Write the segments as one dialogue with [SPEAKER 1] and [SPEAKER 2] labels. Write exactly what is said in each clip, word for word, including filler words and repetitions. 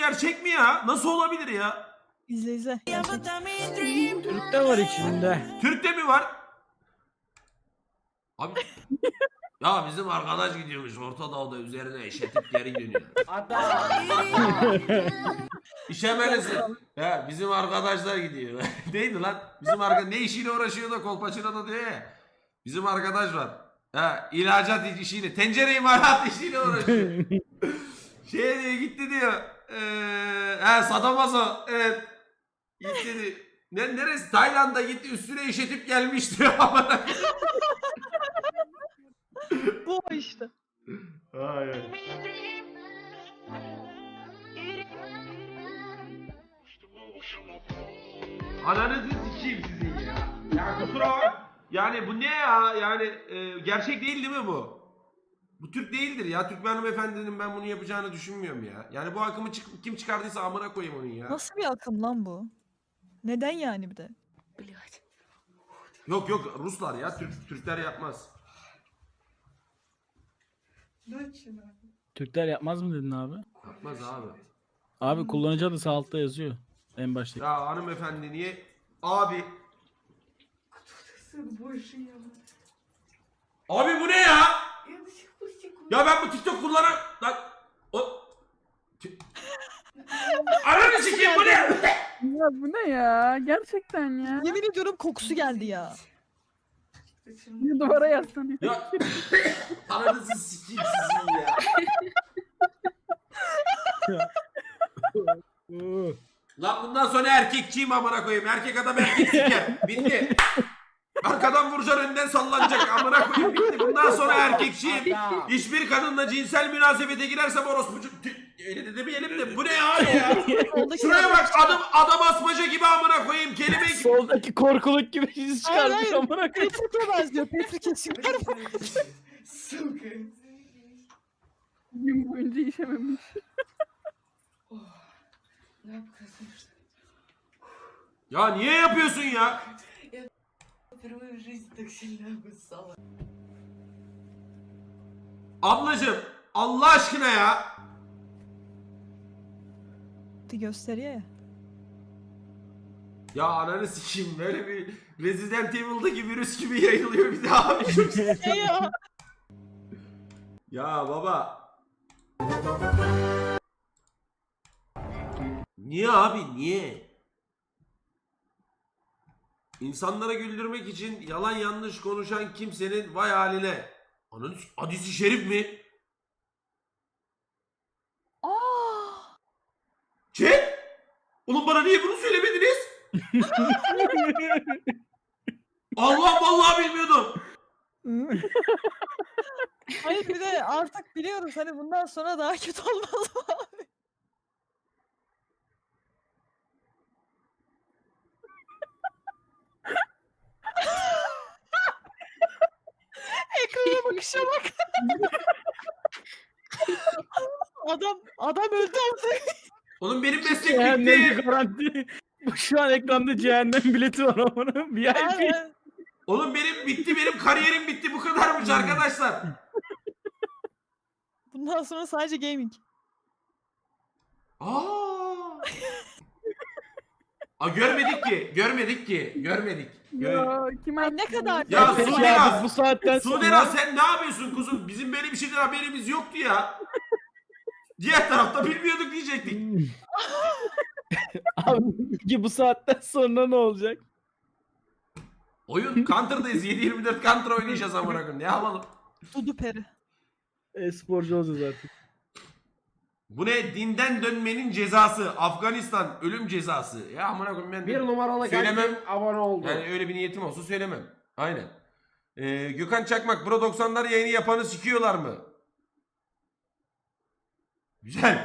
[SPEAKER 1] gerçek mi ya? Nasıl olabilir ya?
[SPEAKER 2] İzle izle.
[SPEAKER 3] Türk de var içinde.
[SPEAKER 1] Türk'te mi var? Abi ya bizim arkadaş gidiyormuş Orta Doğu'da üzerine eşetip geri dönüyor. İşemelisin. Ya bizim arkadaşlar gidiyor. Neydi lan? Bizim arkadaş ne işiyle uğraşıyor da kolpaçına da diyor ya. Bizim arkadaş var. Ha ilacat işiyle, tencere imalat işiyle uğraşıyor. Şey diyor gitti diyor. Ee, ha Sadomaso. Evet. Gitti diyor. Ne, neresi? Tayland'a gitti üstüne işetip gelmiş diyor.
[SPEAKER 2] Bu o işte.
[SPEAKER 1] Hayır. Ananızı sikeyim sizin ya. Ya kusura bak. Yani bu ne ya? Yani e, gerçek değil değil mi bu? Bu Türk değildir ya. Türk bir hanımefendinin ben bunu yapacağını düşünmüyorum ya. Yani bu akımı çık kim çıkardıysa amına koyayım onun ya.
[SPEAKER 2] Nasıl bir akım lan bu? Neden yani bir de?
[SPEAKER 1] Yok yok Ruslar ya. Türk Türkler yapmaz.
[SPEAKER 3] Türkler yapmaz mı dedin abi?
[SPEAKER 1] Yapmaz abi.
[SPEAKER 3] Abi kullanıcı adı sağ altta yazıyor. En baştaki.
[SPEAKER 1] Ya hanımefendi niye? Abi. Abi bu ne ya? Ya ben bu TikTok kullanan... Lan... O... Ananı sikeyim bu ne?
[SPEAKER 4] Ya bu ne ya? Gerçekten ya.
[SPEAKER 2] Yemin ediyorum kokusu geldi ya.
[SPEAKER 4] Bir duvara yaslanıyor.
[SPEAKER 1] Ya ananızı sikeyim sizin ya.
[SPEAKER 3] Oo.
[SPEAKER 1] Lan bundan sonra erkekçiyim amına koyayım. Erkek adam erkek siker. Bitti. Arkadan vuracaksın önden sallanacak amına koyayım bitti. Bundan sonra erkekçiyim. Hiçbir kadınla cinsel münasebete girersem orospucu... Öyle de demeyelim de bu ne hali ya?
[SPEAKER 2] Soldaki
[SPEAKER 1] Şuraya bak adam adam asmaca gibi amına koyayım kelime gibi.
[SPEAKER 3] Soldaki korkuluk gibi iz çıkarmış
[SPEAKER 2] Hayır,
[SPEAKER 3] amına koyayım.
[SPEAKER 2] Patrick'e benziyor. Patrick kesinlikler var.
[SPEAKER 4] Gün boyunca işememiş.
[SPEAKER 1] Ya niye yapıyorsun ya?
[SPEAKER 5] Впервые в жизни так сильно обоссала.
[SPEAKER 1] Ablacım Allah aşkına ya.
[SPEAKER 2] Gösteriyor ya.
[SPEAKER 1] Ya ananı sikeyim böyle bir Resident Evil'daki virüs gibi yayılıyor bir daha abi. Çok
[SPEAKER 2] Ne ya?
[SPEAKER 1] Ya baba. Niye abi niye? İnsanlara güldürmek için yalan yanlış konuşan kimsenin vay haline. Ananı s- hadisi şerif mi?
[SPEAKER 2] Aa!
[SPEAKER 1] Chat? Oğlum bana niye bunu söylemediniz? Allah vallahi bilmiyordum.
[SPEAKER 2] Hayır bir de artık biliyoruz hani bundan sonra daha kötü olmaz mı abi? Ekrana bakışa bak. adam adam öldü artık.
[SPEAKER 1] Oğlum benim meslek
[SPEAKER 3] Cehennem
[SPEAKER 1] bitti.
[SPEAKER 3] garanti. Bu şu an ekranda cehennem bileti var amına. V I P.
[SPEAKER 2] Aynen.
[SPEAKER 1] Oğlum benim bitti benim kariyerim bitti bu kadarmış arkadaşlar.
[SPEAKER 2] Bundan sonra sadece gaming.
[SPEAKER 1] Aa. Aa görmedik ki, görmedik ki, görmedik. Gör-
[SPEAKER 4] Ya kim
[SPEAKER 2] Ay ne kadar
[SPEAKER 1] Ya
[SPEAKER 3] Peki
[SPEAKER 1] Sude
[SPEAKER 3] abi,
[SPEAKER 1] Naz,
[SPEAKER 3] bu saatten
[SPEAKER 1] Sude
[SPEAKER 3] sonra
[SPEAKER 1] Naz sen ne yapıyorsun kuzum? Bizim böyle bir şeyden haberimiz yoktu ya. Diğer tarafta bilmiyorduk diyecektik.
[SPEAKER 3] abi peki bu saatten sonra ne olacak?
[SPEAKER 1] Oyun Counter'dayız. yedi yirmi dört Counter oynayacağız amına koyayım. Ne yapalım?
[SPEAKER 2] Dudu peri.
[SPEAKER 3] E-sporcu olacağız artık.
[SPEAKER 1] Bu ne? Dinden dönmenin cezası. Afganistan ölüm cezası. Ya amına koyayım ben
[SPEAKER 6] Bir numaralı
[SPEAKER 1] söylemem.
[SPEAKER 6] kendim abone oldu.
[SPEAKER 1] Yani öyle bir niyetim olsa söylemem. Aynen. Ee, Gökhan Çakmak Pro doksanlar yayını yapanı sikiyorlar mı? Güzel.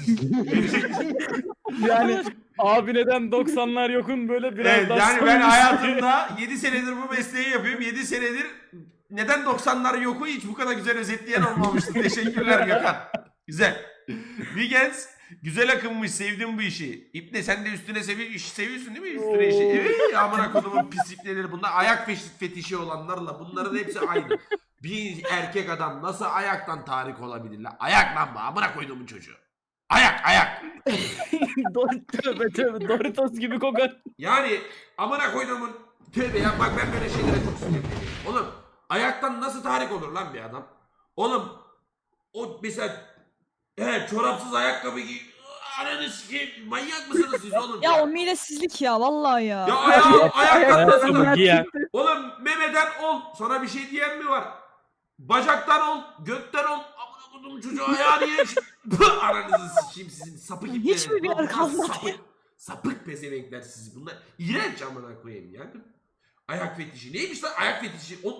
[SPEAKER 3] Yani abi neden doksanlar yokun böyle biraz
[SPEAKER 1] Evet,
[SPEAKER 3] daha
[SPEAKER 1] yani ben
[SPEAKER 3] samimi-
[SPEAKER 1] hayatımda yedi senedir bu mesleği yapıyorum. yedi senedir neden doksanlar yoku hiç bu kadar güzel özetleyen olmamıştı. Teşekkürler Gökhan. Güzel. Wiggins güzel akınmış. Sevdim bu işi. İpne sen de üstüne sevi iş seviyorsun değil mi? Üstüne işi. Evet amına kodumun pislikleri. Bunlar ayak feş- fetişi olanlarla bunların hepsi aynı. Bir erkek adam nasıl ayaktan tahrik olabilir lan? Ayak lan bu amına koyduğumun çocuğu. Ayak ayak.
[SPEAKER 3] Dor- tövbe tövbe Doritos gibi kokar.
[SPEAKER 1] Yani amına koyduğumun tövbe ya bak ben böyle şeylere çok sinirliyim. Oğlum ayaktan nasıl tahrik olur lan bir adam? Oğlum o mesela he, çorapsız ayakkabı giy. Ananı sikeyim manyak mısınız siz oğlum?
[SPEAKER 2] Ya o midesizlik ya vallahi ya.
[SPEAKER 1] Ya ayağı, ayaktan nasıl
[SPEAKER 3] Ayakkabı giyen.
[SPEAKER 1] Oğlum memeden ol. Sana bir şey diyen mi var? Bacaktan ol, gökten ol. Amına koydum çocuğu ayağı niye? Pıh, aranızı sikeyim sizin sapık ipleri.
[SPEAKER 2] Hiç mi bir yer
[SPEAKER 1] Lan
[SPEAKER 2] kalmadı
[SPEAKER 1] sapık, sapık pezevenkler sizi bunlar. İğrenç amına koyayım ya. Ayak fetişi. Neymiş lan ayak fetişi? O...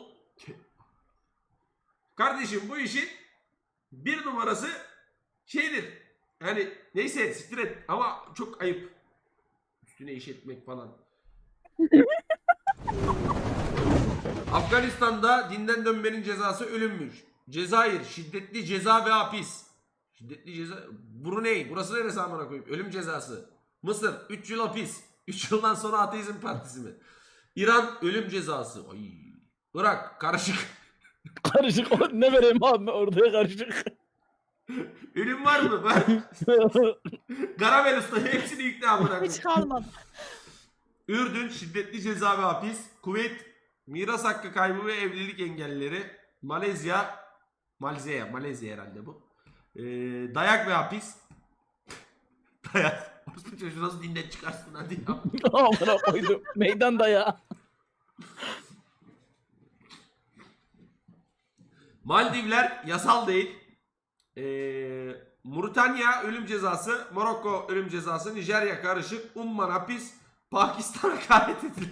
[SPEAKER 1] Kardeşim bu işin bir numarası şeydir. Yani neyse siktir et ama çok ayıp. Üstüne iş etmek falan. Afganistan'da dinden dönmenin cezası ölümmüş. Cezayir şiddetli ceza ve hapis. Şiddetli ceza. Brunei burası neresi amına koyayım? Ölüm cezası. Mısır üç yıl hapis. üç yıldan sonra ateizm partisi mi? İran ölüm cezası. Ay. Irak karışık.
[SPEAKER 3] Karışık. O- Ne vereyim abi ortaya karışık.
[SPEAKER 1] Ölüm var mı? Var. Garabel Usta hepsini yükle amına koyayım.
[SPEAKER 2] Hiç kalmadı.
[SPEAKER 1] Ürdün şiddetli ceza ve hapis. Kuveyt miras hakkı kaybı ve evlilik engelleri. Malezya Malezya Malezya herhalde bu. Ee, dayak ve hapis. Dayak. Orospu çocuğu nasıl dinden çıkarsın hadi ya.
[SPEAKER 3] Amına koydum. Meydan dayağı.
[SPEAKER 1] Maldivler yasal değil. Ee, Moritanya ölüm cezası. Morokko ölüm cezası. Nijerya karışık. Umman hapis. Pakistan hakaret edilir.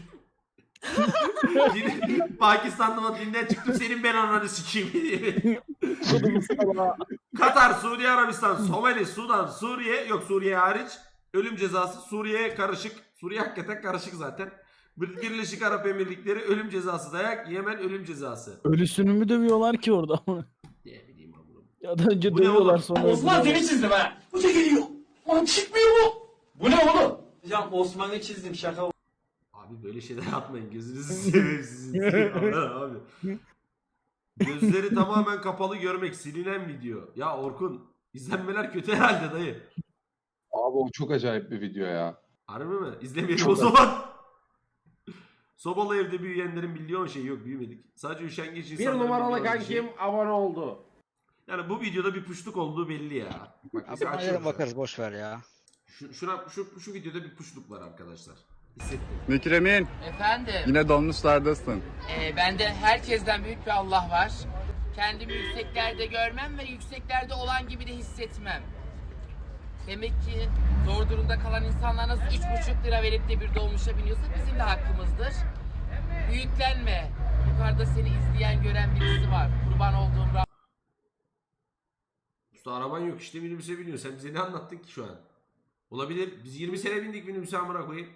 [SPEAKER 1] Din- Pakistan'da dinden çıktım senin ben ananı sikeyim diye.
[SPEAKER 3] Kodum sana.
[SPEAKER 1] Katar, Suudi Arabistan, Somali, Sudan, Suriye yok Suriye hariç ölüm cezası. Suriye karışık. Suriye hakikaten karışık zaten. Birleşik Arap Emirlikleri ölüm cezası dayak. Yemen ölüm cezası.
[SPEAKER 3] Ölüsünü mü dövüyorlar ki orada?
[SPEAKER 1] Ne bileyim amına.
[SPEAKER 3] Ya da önce
[SPEAKER 1] Bu ne
[SPEAKER 3] dövüyorlar
[SPEAKER 1] oğlum?
[SPEAKER 3] sonra.
[SPEAKER 6] Osman
[SPEAKER 3] öldürüyorlar.
[SPEAKER 6] seni çizdim ha. Bu da geliyor. Lan çıkmıyor bu. Bu ne oğlum? Hocam Osman'ı çizdim şaka.
[SPEAKER 1] Abi böyle şeyler yapmayın gözünüzü seveyim sizin. Aman abi. Gözleri tamamen kapalı görmek silinen video. Ya Orkun izlenmeler kötü herhalde dayı.
[SPEAKER 7] Abi o çok acayip bir video ya.
[SPEAKER 1] Harbi mi? İzlemeyelim o zaman. Sobalı evde büyüyenlerin milyon şey yok büyümedik. Sadece üşengeç
[SPEAKER 8] Bir
[SPEAKER 1] insanların
[SPEAKER 8] numaralı
[SPEAKER 1] bildiği bir şey.
[SPEAKER 8] kankim abone oldu.
[SPEAKER 1] Yani bu videoda bir puşluk olduğu belli ya. Bak mesela
[SPEAKER 9] Abi
[SPEAKER 1] açıyorum
[SPEAKER 9] yarın bakarız boş ver ya.
[SPEAKER 1] Şu, şuna, şu, şu videoda bir puşluk var arkadaşlar. Hissettim.
[SPEAKER 10] Mükremin,
[SPEAKER 11] Efendim,
[SPEAKER 10] yine dolmuşlardasın.
[SPEAKER 11] e, bende herkesten büyük bir Allah var. Kendimi yükseklerde görmem ve yükseklerde olan gibi de hissetmem. Demek ki zor durumda kalan insanlar nasıl üç buçuk lira verip de bir dolmuşa biniyorsa bizim de hakkımızdır. Büyüklenme. Yukarıda seni izleyen, gören birisi var. Kurban olduğum Rabbim.
[SPEAKER 1] Usta araban yok işte minibüse biniyor. Sen bize ne anlattın ki şu an? Olabilir. Biz yirmi sene bindik minibüse amına koyayım.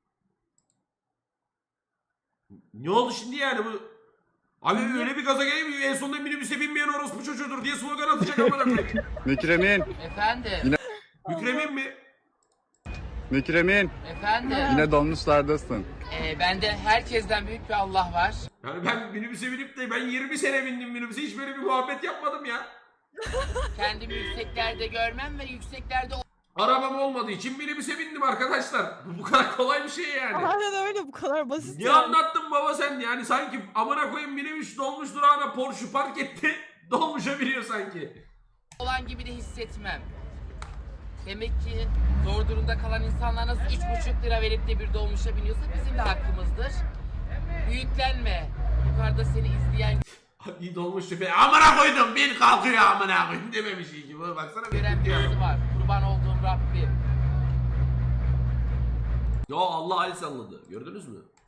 [SPEAKER 1] Ne oldu şimdi yani bu? Abi öyle bir gaza geleyim en sonunda minibüse binmeyen orospu çocuğudur diye slogan atacak amına koyayım.
[SPEAKER 10] Mükremin,
[SPEAKER 11] Efendim,
[SPEAKER 1] Mükremin mi?
[SPEAKER 10] Mükremin,
[SPEAKER 11] efendim.
[SPEAKER 10] yine dolmuşlardasın.
[SPEAKER 11] E, bende herkesten büyük bir Allah var.
[SPEAKER 1] Yani ben minibüse binip de ben yirmi sene bindim minibüse hiç böyle bir muhabbet yapmadım ya.
[SPEAKER 11] Kendimi yükseklerde görmem ve yükseklerde
[SPEAKER 1] Arabam olmadığı için minibüse bindim arkadaşlar. Bu bu kadar kolay bir şey yani.
[SPEAKER 2] Aynen öyle bu kadar basit
[SPEAKER 1] Ne
[SPEAKER 2] yani.
[SPEAKER 1] anlattın baba sen yani sanki amına koyayım minibüs dolmuş durağına Porsche park etti. Dolmuşa biniyor sanki.
[SPEAKER 11] olan gibi de hissetmem. Demek ki zor durumda kalan insanlar nasıl üç buçuk lira verip de bir dolmuşa biniyorsa bizim de hakkımızdır. Büyüklenme. Yukarıda seni izleyen,
[SPEAKER 1] İyi dolmuş şoför. Amına koydum bir kalkıyor amına koyayım dememiş iyi ki. Baksana bir
[SPEAKER 11] gören birisi var. Kurban olduğum Rabbim.
[SPEAKER 1] Ya Allah Ali salladı. Gördünüz mü?